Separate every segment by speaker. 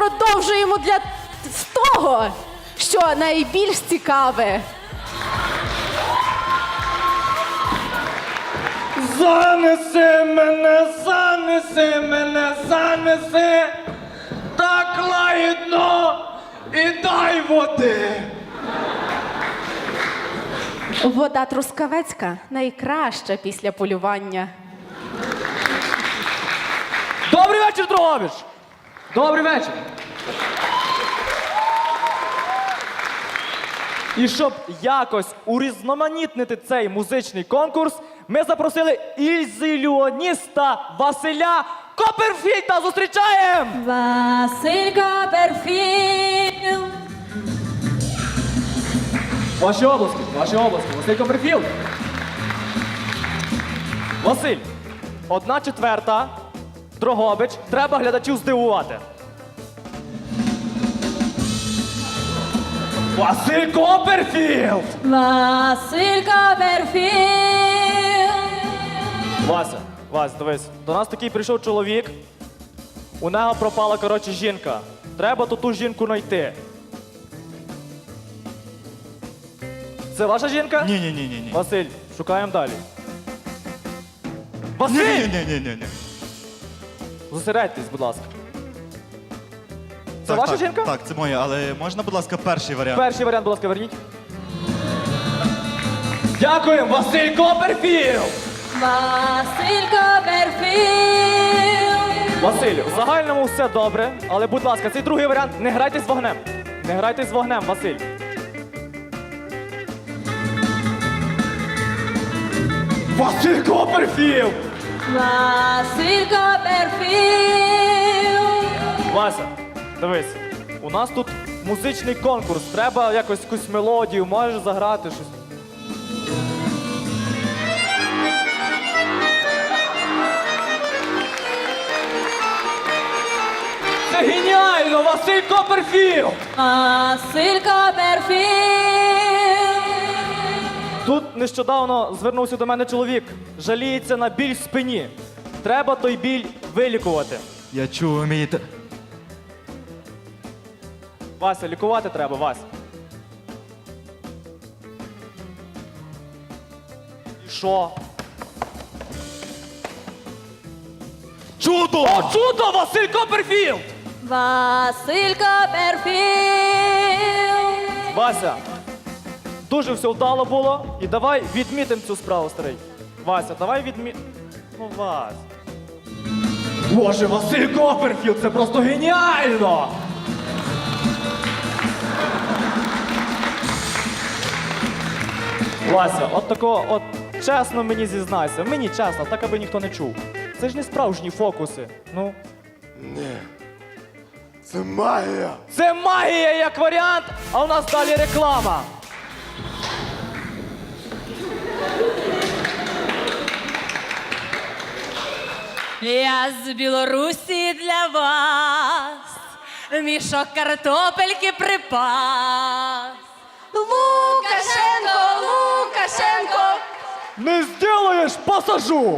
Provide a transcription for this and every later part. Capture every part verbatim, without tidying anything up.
Speaker 1: продовжуємо для з того, що найбільш цікаве.
Speaker 2: Занеси мене, занеси мене, занеси, так лагідно і дай води.
Speaker 1: Вода трускавецька найкраща після полювання.
Speaker 2: Добрий вечір, Дрогобич! Добрий вечір! І щоб якось урізноманітнити цей музичний конкурс, ми запросили ілюзіоніста Василя Копперфільда. Зустрічаємо!
Speaker 3: Василь Копперфільд.
Speaker 2: Ваші обласки, ваші обласки, Василь Копперфільд. Василь, одна четверта, Дрогобич, треба глядачів здивувати. Василь Копперфільд!
Speaker 3: Василь Копперфільд.
Speaker 2: Вася, Вась, дивись, до нас такий прийшов чоловік, у нього пропала, коротше, жінка. Треба ту ту жінку знайти. Це ваша жінка?
Speaker 4: Ні, ні, ні, ні, ні.
Speaker 2: Василь, шукаємо далі. Василь!
Speaker 4: Ні, ні, ні, ні, ні.
Speaker 2: Зосередьтесь, будь ласка. Це
Speaker 4: Так,
Speaker 2: ваша
Speaker 4: так,
Speaker 2: жінка?
Speaker 4: Так, це моя, але можна, будь ласка, перший варіант?
Speaker 2: Перший варіант, будь ласка, верніть. Дякуємо, Василь Копперфільд!
Speaker 3: Василь Копперфільд.
Speaker 2: Василь, в загальному все добре, але, будь ласка, цей другий варіант, не грайте з вогнем. Не грайте з вогнем, Василь. Василь Копперфільд!
Speaker 3: Василь Копперфільд.
Speaker 2: Вася, дивись, у нас тут музичний конкурс, треба якось якусь мелодію, можеш заграти щось. Це геніально, Василь Копперфільд!
Speaker 3: Василь Копперфільд.
Speaker 2: Тут нещодавно звернувся до мене чоловік, жаліється на біль в спині. Треба той біль вилікувати.
Speaker 4: Я чув, ви вмієте.
Speaker 2: Вася, лікувати треба, Вася. І що?
Speaker 4: Чудо!
Speaker 2: О, чудо, Василь Копперфільд!
Speaker 3: Василь Копперфільд.
Speaker 2: Вася, дуже все вдало було. І давай відмітимо цю справу, старий. Вася, давай відмі... Ну, Вася. Боже, Василь Копперфільд, це просто геніально! Вася, от такого, от чесно мені зізнайся, мені чесно, так аби ніхто не чув. Це ж не справжні фокуси. Ну.
Speaker 5: Ні. Це магія.
Speaker 2: Це магія як варіант, а у нас далі реклама.
Speaker 3: Я з Білорусі для вас мішок картопельки припас.
Speaker 1: Лукашенко, Лукашенко!
Speaker 2: Не зділаєш, посажу!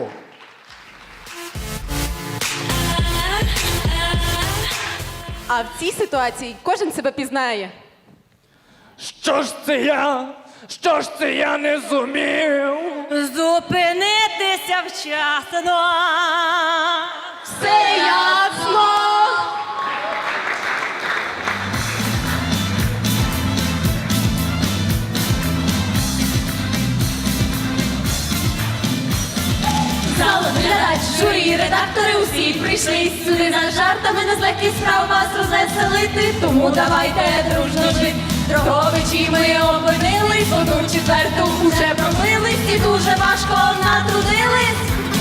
Speaker 1: А в цій ситуації кожен себе пізнає.
Speaker 2: Що ж це я? Що ж це я не зумів?
Speaker 3: Зупинитися вчасно.
Speaker 1: Все ясно!
Speaker 3: Зал, глядач, журі, редактори усі прийшли сюди за жартами, на злегкі справ вас розвеселити. Тому давайте дружно жити. Дрогобичі ми опинились, одну четверту уже промились і дуже важко натрудились.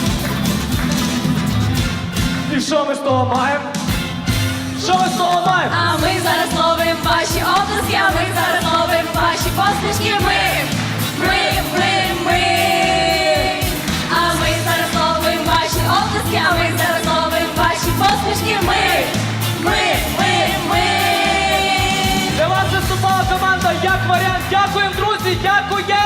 Speaker 2: І що ми з того маємо? Що ми з того маємо?
Speaker 3: А ми зараз ловим ваші обласки, а ми зараз ловим ваші посмішки. Ми, ми, ми, ми. А ми зараз ловим ваші обласки, а ми зараз ловим ваші посмішки. Ми, ми, ми, ми.
Speaker 2: Для вас виступала команда як варіант. Дякуємо, друзі, дякуємо!